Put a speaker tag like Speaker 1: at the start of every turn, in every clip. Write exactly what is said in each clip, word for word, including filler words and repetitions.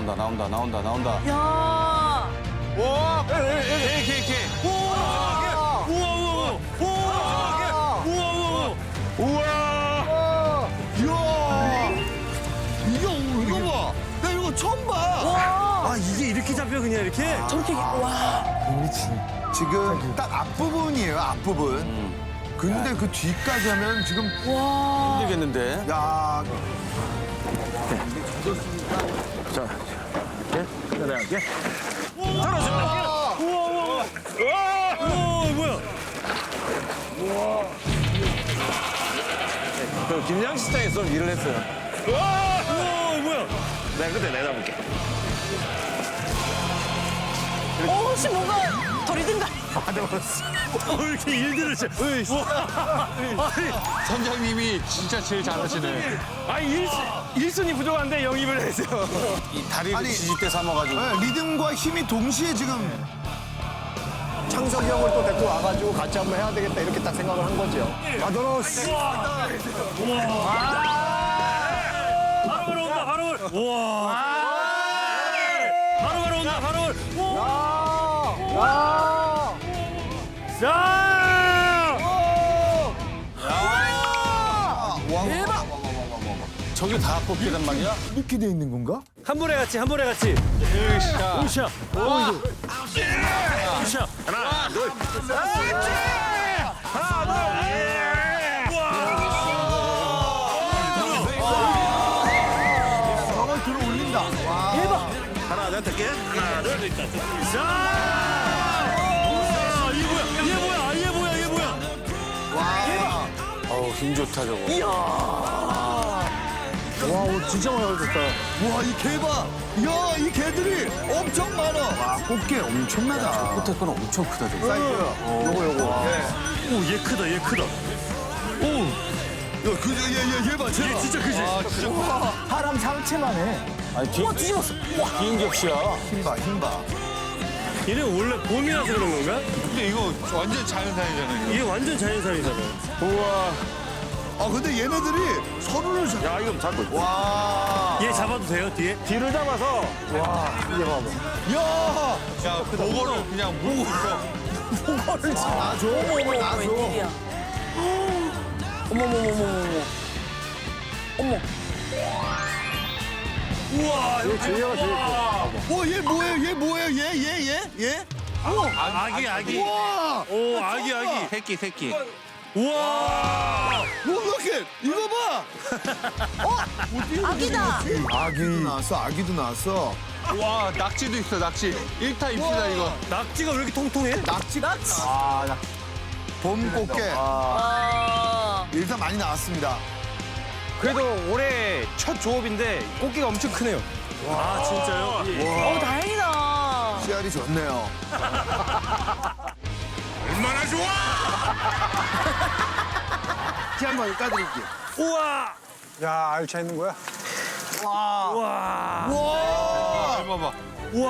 Speaker 1: 나온다 나온다 나온다 나온다.
Speaker 2: 야.
Speaker 3: 와, 개, 개, 개.
Speaker 4: 우와! 우와! 우와! 우와! 우와!
Speaker 3: 우와.
Speaker 5: 이야! 이거, 이거 봐! 나 이거 처음 봐!
Speaker 4: 아, 이게 이렇게 잡혀 그냥 이렇게?
Speaker 2: 저렇게 와.
Speaker 5: 지금 딱 앞부분이에요, 앞부분. 근데 그 뒤까지 하면 지금,
Speaker 2: 와.
Speaker 1: 힘들겠는데.
Speaker 5: 야,
Speaker 4: 우와, 뭐야?
Speaker 3: 그 김양식장에 좀 일을 했어요.
Speaker 4: 우와, 뭐야?
Speaker 3: 내가 그때 내가 볼게.
Speaker 2: 오, 혹시 뭔가 덜 익은가?
Speaker 4: 어, 이렇게 일들을 잘. 아니,
Speaker 3: 선장님이 진짜 제일 잘하시네.
Speaker 4: 아니 일, 일순위 부족한데 영입을 했어요.
Speaker 1: 이 다리를
Speaker 5: 아니,
Speaker 1: 지지대 삼아가지고.
Speaker 5: 네, 리듬과 힘이 동시에 지금.
Speaker 6: 창석이 형을 또 데리고 와가지고 같이 한번 해야 되겠다 이렇게 딱 생각을 한 거죠. 마도로스.
Speaker 4: 바로 바로 온다, 바로 올. 우와. 바로 바로 온다, 바로 올. 자!
Speaker 2: 대박.
Speaker 1: 저게 다 뽑기란 말이야?
Speaker 5: 이렇게 돼 있는 건가?
Speaker 4: 한 번에 같이, 한 번에 같이. 으쌰. 으쌰. 으쌰.
Speaker 3: 하나, 둘.
Speaker 5: 저걸 들어 올린다. 와.
Speaker 2: 대박.
Speaker 3: 하나, 내가 탈게. 하나, 둘.
Speaker 4: 자! 우와, 얘 뭐야? 얘 뭐야? 얘 뭐야? 얘 뭐야?
Speaker 1: 어우 힘 좋다 저거.
Speaker 6: 와, 옷 진짜 많이 가졌다.
Speaker 5: 와, 이 개 봐. 야, 이 개들이 엄청 많아. 와, 꽃게 엄청나다.
Speaker 1: 끝에 거는 엄청 크다 저거.
Speaker 5: 사이즈.
Speaker 6: 요거 요거.
Speaker 4: 오, 얘 크다, 얘 크다. 오,
Speaker 5: 야, 그, 얘, 얘, 얘 봐, 쟤
Speaker 4: 얘
Speaker 5: 봐.
Speaker 4: 진짜 크지?
Speaker 6: 사람 상체만 해.
Speaker 1: 아니 뒤,
Speaker 2: 우와, 뒤집었어.
Speaker 1: 비행격시야.
Speaker 5: 힘 봐, 힘 봐.
Speaker 4: 얘네 원래 봄이라서 그런 건가?
Speaker 3: 근데 이거 완전 자연산이잖아요.
Speaker 4: 얘 완전 자연산이잖아.
Speaker 5: 아, 근데 얘네들이 서로를 잡...
Speaker 3: 야, 이거 잡고.
Speaker 5: 와.
Speaker 4: 얘 잡아도 돼요, 뒤에?
Speaker 6: 뒤를 잡아서. 와, 이제 봐봐.
Speaker 5: 야.
Speaker 3: 야, 그거를 그냥 물고 있어.
Speaker 5: 나 줘.
Speaker 2: 어머,
Speaker 5: 나 줘.
Speaker 2: 웬일이야. 어머, 어머, 어머, 어머. 어머.
Speaker 4: 우와,
Speaker 6: 얘 주희가 제일 커.
Speaker 5: 와, 얘 뭐예요? 얘 뭐예요? 얘, 얘, 얘? 얘?
Speaker 4: 아기, 아기.
Speaker 5: 와.
Speaker 4: 오, 아기, 아기.
Speaker 3: 새끼, 새끼.
Speaker 4: 우와.
Speaker 5: 뭐 이렇게 이거 봐.
Speaker 2: 아기다.
Speaker 5: 아기도 나왔어. 아기도 나왔어.
Speaker 3: 와, 낙지도 있어, 낙지. 일타 입시다, 이거.
Speaker 4: 낙지가 왜 이렇게 통통해?
Speaker 5: 낙지.
Speaker 2: 낙지.
Speaker 5: 아, 낙. 봄 꽃게.
Speaker 2: 아.
Speaker 5: 일단 많이 나왔습니다.
Speaker 4: 그래도 올해 첫 조업인데 꽃게가 엄청 크네요. 아, 진짜요?
Speaker 2: 어, 다행이다.
Speaker 5: 씨알이 좋네요.
Speaker 3: 얼마나 좋아!
Speaker 5: 티 한번 까드릴게요.
Speaker 4: 우와.
Speaker 6: 야, 알차 있는 거야?
Speaker 4: 우와.
Speaker 5: 와.
Speaker 3: 봐봐.
Speaker 4: 우와.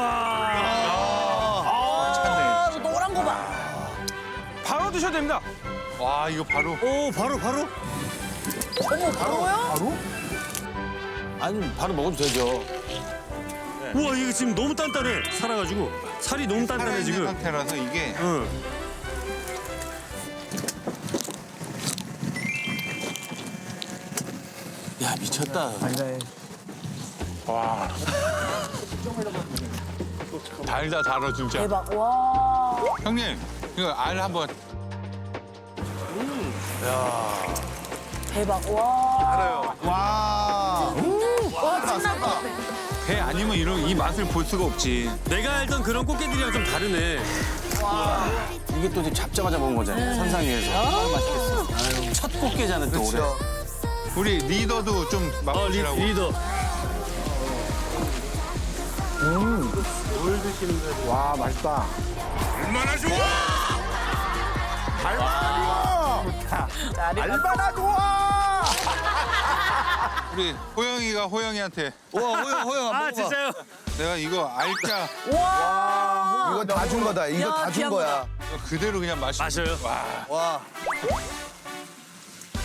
Speaker 2: 아, 저 노란 거 봐.
Speaker 4: 바로 드셔도 됩니다.
Speaker 3: 와, 이거 바로.
Speaker 4: 오, 바로, 바로?
Speaker 2: 어머, 바로요?
Speaker 5: 바로?
Speaker 1: 아니 바로 먹어도 되죠.
Speaker 4: 우와, 이거 지금 너무 단단해. 살아가지고. 살이 너무 단단해,
Speaker 3: 살아있는
Speaker 4: 지금.
Speaker 3: 상태라서 이게.
Speaker 4: 응.
Speaker 1: 야 미쳤다.
Speaker 3: 달다, 달아, 진짜.
Speaker 2: 대박. 와.
Speaker 3: 형님, 이거 알 한번.
Speaker 2: 대박. 와.
Speaker 5: 와.
Speaker 2: 와, 찐날 것 같아.
Speaker 3: 배 아니면 이런 이 맛을 볼 수가 없지.
Speaker 4: 내가 알던 그런 꽃게들이랑 좀 다르네.
Speaker 1: 이게 또 지금 잡자마자 먹은 거잖아요. 산상 위에서. 아, 맛있겠어. 아유, 첫 꽃게잖아 또 올해.
Speaker 5: 그렇죠.
Speaker 3: 우리 리더도 좀
Speaker 4: 어, 리,
Speaker 3: 맛보시라고.
Speaker 4: 리더.
Speaker 6: 와, 맛있다.
Speaker 3: 얼마나 좋아!
Speaker 5: 얼마나 좋아.
Speaker 3: 우리 호영이가 호영이한테
Speaker 5: 와, 호영, 호영.
Speaker 4: 아, 진짜요?
Speaker 3: 내가 이거 알짜
Speaker 2: 와.
Speaker 5: 이거 다 준 거다. 이거
Speaker 2: 야,
Speaker 5: 다 준
Speaker 2: 귀한
Speaker 5: 거야.
Speaker 3: 이거 그대로 그냥 마시고.
Speaker 4: 마셔요?
Speaker 3: 와.
Speaker 5: 와.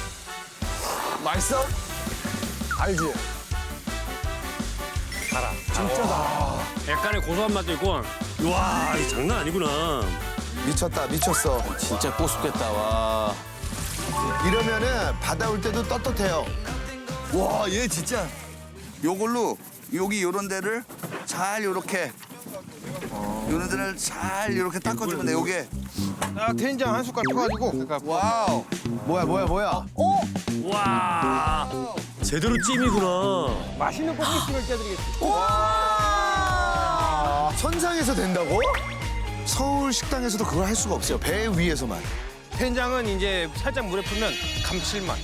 Speaker 5: 맛있어?
Speaker 6: 알지?
Speaker 4: 달아. 약간의 고소한 맛도 있고. 와, 이 장난 아니구나.
Speaker 5: 미쳤다, 미쳤어.
Speaker 1: 진짜 꼬숩겠다, 와.
Speaker 5: 이러면은 받아올 때도 떳떳해요.
Speaker 2: 와, 얘 진짜 요걸로 여기 요런 데를 잘 요렇게 요런 데를 잘 요렇게 닦아주면 돼, 요게.
Speaker 3: 아, 된장 한 숟갈 퍼가지고.
Speaker 2: 와우.
Speaker 5: 뭐야, 뭐야, 뭐야.
Speaker 4: 와, 제대로 찜이구나.
Speaker 6: 맛있는 꽃미싱을 껴드리겠습니다.
Speaker 5: 선상에서 된다고? 서울 식당에서도 그걸 할 수가 없어요. 배 위에서만.
Speaker 3: 된장은 이제 살짝 물에 풀면 감칠맛.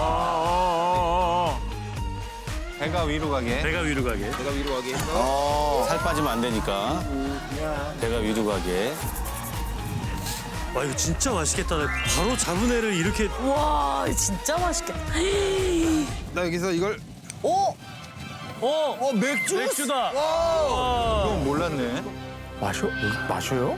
Speaker 3: 배가 위로 가게.
Speaker 4: 배가 위로 가게.
Speaker 3: 배가 위로 가게 해서.
Speaker 5: 어.
Speaker 1: 살 빠지면 안 되니까. 배가 위로 가게.
Speaker 4: 와, 이거 진짜 맛있겠다. 바로 잡은 애를 이렇게.
Speaker 2: 와, 진짜 맛있겠다.
Speaker 3: 나 여기서 이걸
Speaker 2: 오,
Speaker 4: 어,
Speaker 2: 어 맥주?
Speaker 4: 맥주다.
Speaker 3: 그건 몰랐네.
Speaker 6: 마셔? 마셔요?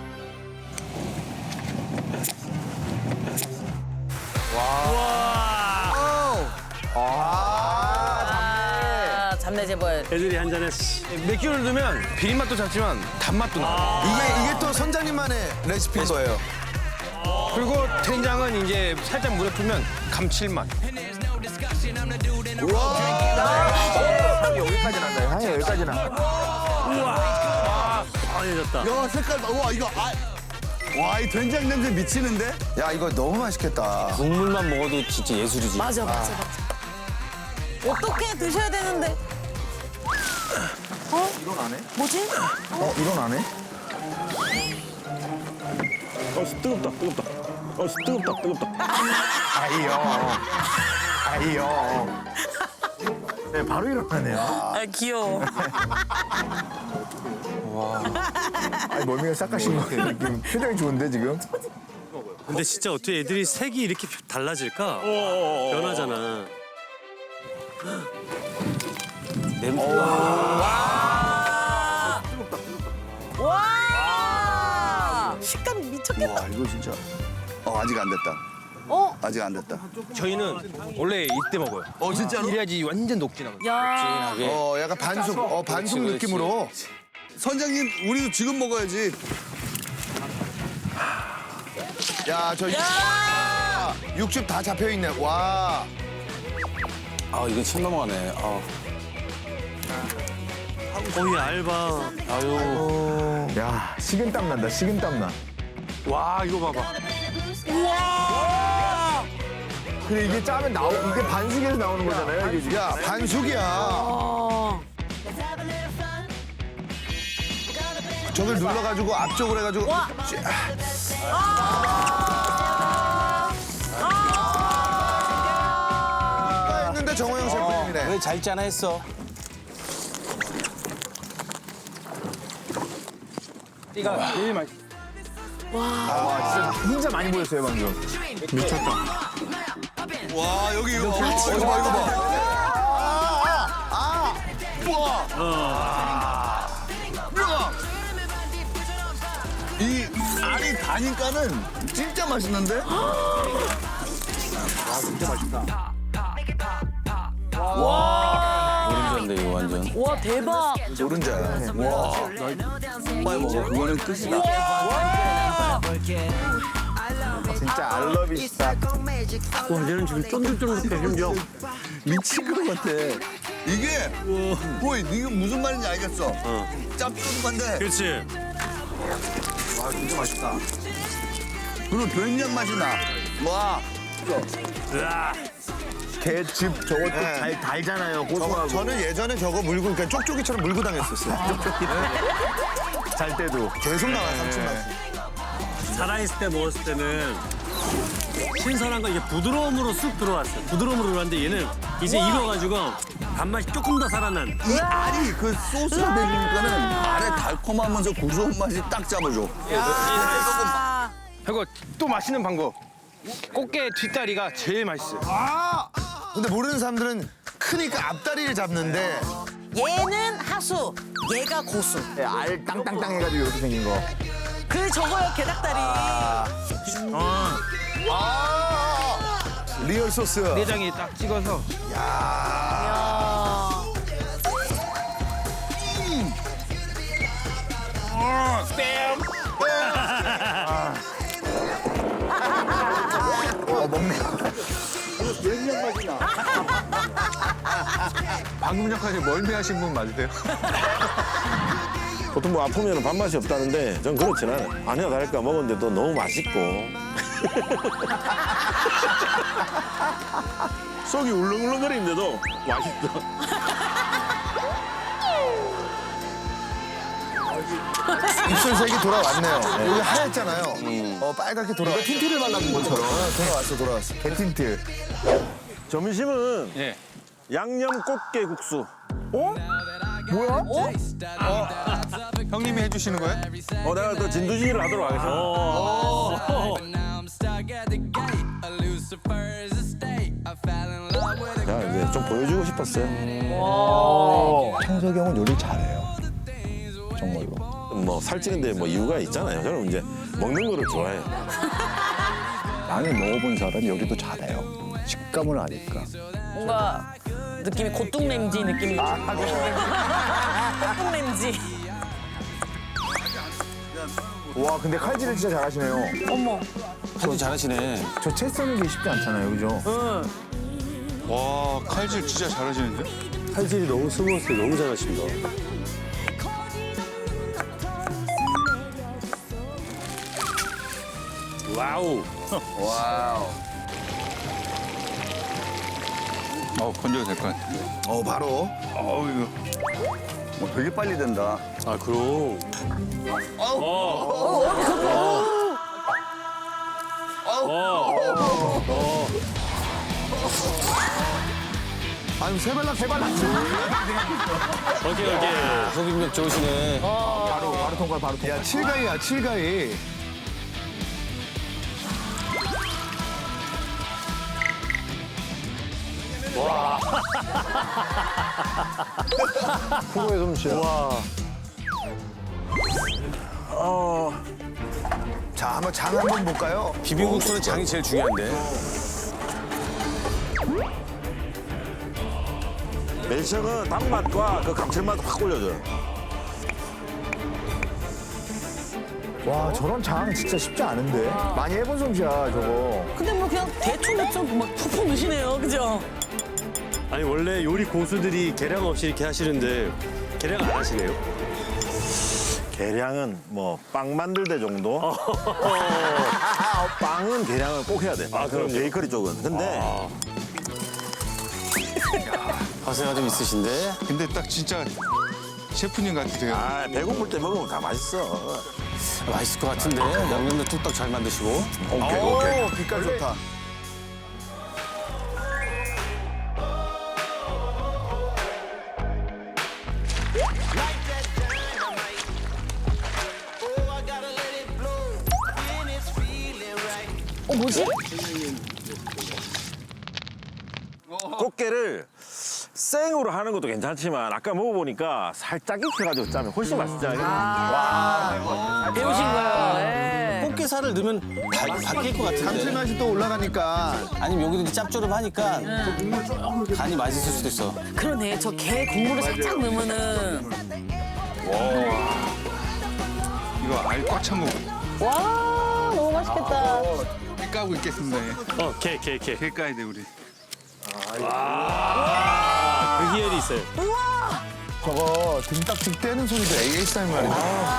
Speaker 2: 아, 잡내 제보해.
Speaker 4: 애들이 한 잔 했어.
Speaker 3: 맥주를 넣으면 비린맛도 잡지만 단맛도 나.
Speaker 5: 이게, 이게 또 선장님만의 레시피인 거예요.
Speaker 3: 그리고 된장은 이제 살짝 물에 풀면 감칠맛.
Speaker 6: 향이 여기까지 난다. 향이 여기까지 나.
Speaker 4: 아해졌다.
Speaker 2: 야, 색깔 봐. 와, 이거 아. 와, 이 된장 냄새 미치는데?
Speaker 5: 야, 이거 너무 맛있겠다.
Speaker 1: 국물만 먹어도 진짜 예술이지.
Speaker 2: 맞아, 맞아, 맞아. 어떻게 드셔야 되는데? 어? 이건 안 해? 뭐지?
Speaker 6: 어, 이건 안 해? 아이요. 아이요. 네, 바로 일어나네요.
Speaker 2: 아, 귀여워.
Speaker 6: 아니, 멀미가 싹 가신 거 같아요. 느낌. 표정이 좋은데, 지금?
Speaker 4: 근데 진짜 어떻게 애들이 색이 이렇게 달라질까? 변하잖아.
Speaker 1: 냄새.
Speaker 2: 와! 식감 미쳤겠다. 와, 이거 진짜. 어, 아직 안 됐다. 어? 아직 안 됐다.
Speaker 3: 저희는 원래 이때 먹어요.
Speaker 2: 어, 진짜로?
Speaker 3: 이래야지 완전 녹진하거든요.
Speaker 2: 야.
Speaker 5: 어, 약간 반숙, 어, 반숙
Speaker 1: 그렇지,
Speaker 5: 느낌으로.
Speaker 2: 선장님, 우리도 지금 먹어야지.
Speaker 5: 야, 저
Speaker 2: 야!
Speaker 5: 육즙 다 잡혀있네. 와.
Speaker 1: 아, 이거 침 넘어가네. 아.
Speaker 4: 거의 알바.
Speaker 1: 아유.
Speaker 6: 야, 식은땀 난다, 식은땀 나.
Speaker 3: 와, 이거 봐봐.
Speaker 6: 근데 이게 짜면 나오, 이게 반숙에서 나오는 거잖아요, 이게 지금.
Speaker 5: 야, 반숙이야.
Speaker 2: 어.
Speaker 5: 저걸 눌러가지고 앞쪽으로 해가지고.
Speaker 2: 와.
Speaker 5: 쥐- 아, 했는데 정호영 셰프님이네.
Speaker 1: 왜 잘 짜나 했어.
Speaker 3: 이가 제일 맛있어.
Speaker 6: 진짜 많이 보였어요, 방금. 미쳤다.
Speaker 2: 와, 여기 이거. 어, 이거 봐, 이거 봐. 아, 우와. 우와. 이 알이 다니까는 진짜 맛있는데?
Speaker 1: 노른자인데, 이거 완전.
Speaker 2: 와, 대박.
Speaker 5: 노른자야.
Speaker 2: 빨리 먹어. 그거는 끝이다.
Speaker 6: 진짜 알러비시다.
Speaker 4: 와, 얘는 지금 쫀득쫀득해, 심지어.
Speaker 2: 미친 것 같아. 이게, 보이, 이게 무슨 말인지 알겠어. 짭조름한데,
Speaker 4: 그렇지.
Speaker 2: 그리고 된장 맛이 나. 와,
Speaker 4: 으아.
Speaker 6: 개즙 저것도
Speaker 5: 네.
Speaker 6: 달, 달잖아요,
Speaker 5: 저거,
Speaker 6: 고소하고.
Speaker 5: 저는 예전에 저거 물고, 그냥 쪽쪽이처럼 물고 다녔었어요.
Speaker 6: 잘 때도.
Speaker 5: 계속 나와요, 감칠맛.
Speaker 4: 살아있을 때 먹었을 때는 신선한 거 이게 부드러움으로 쑥 들어왔어. 부드러움으로 들어왔는데 얘는 이제 익어가지고 단맛이 조금 더 살아난.
Speaker 2: 이 알이 그 소스를 먹으니까는 알의 달콤하면서 고소한 맛이 딱 잡아줘. 아.
Speaker 3: 그리고 또 맛있는 방법. 꽃게 뒷다리가 제일 맛있어요.
Speaker 5: 근데 모르는 사람들은 크니까 앞다리를 잡는데
Speaker 2: 얘는 하수, 얘가 고수.
Speaker 6: 네, 알 땅땅땅 해가지고 이렇게 생긴 거.
Speaker 2: 그 저거요, 게닭다리.
Speaker 5: 아 리얼 소스.
Speaker 3: 내장이 딱 찍어서.
Speaker 2: 야.
Speaker 5: 먹네.
Speaker 3: 방금 전까지 멀미하신 분 맞으세요?
Speaker 7: 보통 뭐 아프면 밥맛이 없다는데 전 그렇진 않아요. 아니야 다를까 먹었는데도 너무 맛있고 속이 울렁울렁거리는데도 맛있어.
Speaker 5: 입술색이 돌아왔네요. 여기 하얗잖아요. 어, 빨갛게 돌아왔어.
Speaker 6: 틴트를 발라준 것처럼.
Speaker 5: 어, 돌아왔어, 돌아왔어. 개틴트.
Speaker 7: 점심은
Speaker 3: 예.
Speaker 7: 양념 꽃게 국수.
Speaker 3: 형님이 해주시는 거예요?
Speaker 7: 어 내가 또 진두지기를 하도록 하겠습니다. 자 이제 좀 보여주고 싶었어요.
Speaker 5: 창석이 형은 요리 잘해요. 정말로.
Speaker 7: 뭐 살찌는데 뭐 이유가 있잖아요. 저는 이제 먹는 거를 좋아해요.
Speaker 6: 많이 먹어본 사람이 요리도 잘해요. 식감을 아니까.
Speaker 8: 뭔가 느낌이 고뚱냄지 느낌이 나고. 고뚱냄지.
Speaker 5: 와, 근데 칼질을 진짜 잘하시네요.
Speaker 8: 어머.
Speaker 1: 칼질 잘하시네.
Speaker 5: 저 채 써는 게 쉽지 않잖아요, 그죠?
Speaker 3: 와, 칼질 진짜 잘하시는데?
Speaker 4: 칼질이 너무 스무스해. 너무 잘하신다. 와우.
Speaker 2: 와우.
Speaker 3: 어, 건져도 될 것 같아.
Speaker 2: 어, 바로.
Speaker 3: 어우, 이거.
Speaker 2: 어, 되게 빨리 된다.
Speaker 4: 아, 그럼.
Speaker 5: 아니, 세발락, 세발락.
Speaker 4: 오케이, 오케이.
Speaker 1: 속임력 좋으시네.
Speaker 5: 바로, 바로 통과, 바로 통과. 야, 칠가이야, 칠가이.
Speaker 6: 프로의 솜씨야.
Speaker 5: 자, 한번 장 한번 볼까요?
Speaker 1: 비빔국수는 장이 제일 중요한데.
Speaker 7: 멜청은 단맛과 그 감칠맛 확 올려줘요.
Speaker 5: 와, 저런 장 진짜 쉽지 않은데. 많이 해본 솜씨야, 저거.
Speaker 8: 근데 뭐 그냥 대충 대충 막 푹푹 넣으시네요. 그죠?
Speaker 4: 아니, 원래 요리 고수들이 계량 없이 이렇게 하시는데 계량 안 하시네요.
Speaker 7: 계량은 뭐 빵 만들 때 정도. 빵은 계량을 꼭 해야 돼. 아, 그럼 베이커리 쪽은. 근데
Speaker 1: 허세가 좀 있으신데.
Speaker 3: 근데 딱 진짜 셰프님 같으세요.
Speaker 7: 아 배고플 때 먹으면 다 맛있어.
Speaker 1: 맛있을 것 같은데. 양념도 뚝딱 잘 만드시고.
Speaker 2: 오케이, 오케이. 빛깔 좋다.
Speaker 8: 어 뭐지?
Speaker 7: 꽃게를 생으로 하는 것도 괜찮지만 아까 먹어보니까 살짝 익혀가지고 짜면 훨씬 맛있잖아요.
Speaker 8: 배우신 거예요. 네.
Speaker 1: 꽃게살을 넣으면 바, 바뀔 것 같은데.
Speaker 5: 감칠맛이 또 올라가니까.
Speaker 1: 아니면 여기도 이제 짭조름하니까 간이 맛있을 수도 있어.
Speaker 8: 그러네. 저 게 국물을 살짝 넣으면은
Speaker 3: 이거 알 꽉 찬 거.
Speaker 8: 와 너무 맛있겠다.
Speaker 3: 개 까고 있겠습니다. 예.
Speaker 4: 어, 개, 개, 개.
Speaker 3: 개 까야 돼, 우리.
Speaker 4: 그 희열이 있어요.
Speaker 5: 저거 등딱지 떼는 소리도 에이에스엠 말이야.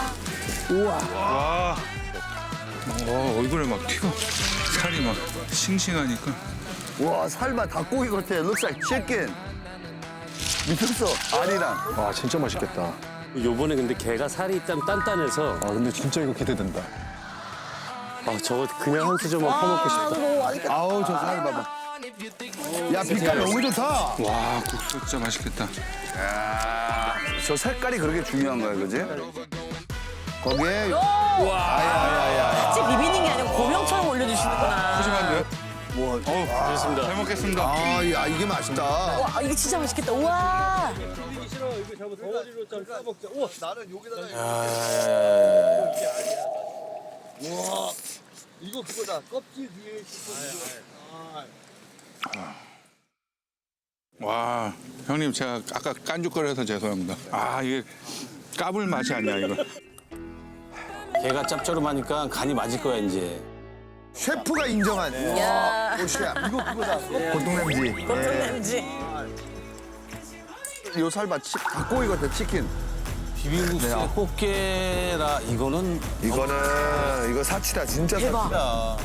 Speaker 3: 와. 어, 얼굴에 막 피가, 살이 막 싱싱하니까.
Speaker 2: 와, 살봐 닭고기 같아. looks like chicken. 미쳤어, 알이랑.
Speaker 6: 와, 진짜 맛있겠다.
Speaker 4: 요번에 근데 게가 살이 좀 단단해서
Speaker 6: 아, 근데 진짜 이거 기대된다.
Speaker 4: 아, 저거 그냥 한 수저만 퍼먹고 싶다.
Speaker 8: 너무 맛있겠다.
Speaker 5: 아우, 저 살 봐봐. 야, 빛깔 너무 좋다.
Speaker 3: 와, 국수 진짜 맛있겠다.
Speaker 2: 야, 저 색깔이 그렇게 중요한 거야, 그지?
Speaker 5: 거기에
Speaker 8: 같이 비비는 게 아니고 고명처럼 올려주시는구나.
Speaker 3: 푸짐한데요?
Speaker 2: 뭐,
Speaker 3: 어우,
Speaker 4: 좋습니다.
Speaker 3: 잘 먹겠습니다.
Speaker 5: 아, 야, 이게 맛있다.
Speaker 8: 와 이게 진짜 맛있겠다. 우와.
Speaker 3: 와, 형님 제가 아까 깐죽거려서 죄송합니다. 아, 이게 까불 맛이 아니야, 이거.
Speaker 1: 게가 짭조름하니까 간이 맞을 거야 이제.
Speaker 5: 셰프가 인정한
Speaker 8: 야.
Speaker 5: 꽃이야. 이거 그거다. 골동냄지.
Speaker 8: 왠지.
Speaker 2: 요 살봐 치, 닭고기 같아 치킨.
Speaker 1: 비빔국수에 꽃게라 이거는
Speaker 5: 이거는 이거 사치다 진짜
Speaker 8: 대박.
Speaker 5: 사치다.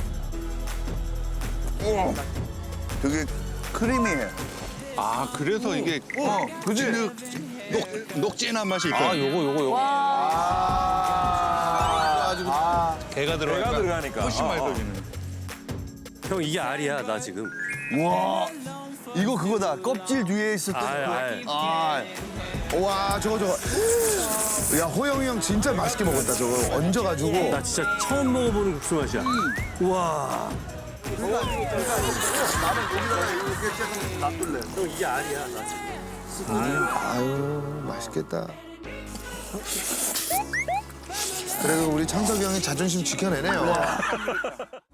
Speaker 2: 우와. 되게 크리미해.
Speaker 3: 아 그래서 이게
Speaker 2: 어, 그지?
Speaker 3: 진흙 녹 녹진한 맛이
Speaker 1: 아
Speaker 3: 있거든요.
Speaker 1: 요거 요거 요거.
Speaker 3: 게가 들어가니까,
Speaker 7: 게가 들어가니까.
Speaker 3: 훨씬
Speaker 7: 어, 어.
Speaker 3: 맛있어지네.
Speaker 4: 형 이게 알이야 나 지금.
Speaker 5: 와 이거 그거다. 껍질 뒤에 있었던.
Speaker 4: 알 알.
Speaker 5: 아, 와 저거 저거. 야 호영이 형 진짜 맛있게 먹었다 저거 얹어가지고.
Speaker 4: 나 진짜 처음 먹어보는 국수 맛이야. 우와. 형 이게 알이야 나 지금.
Speaker 5: 아유 맛있겠다. 그래도 우리 창석이 형이 자존심 지켜내네요.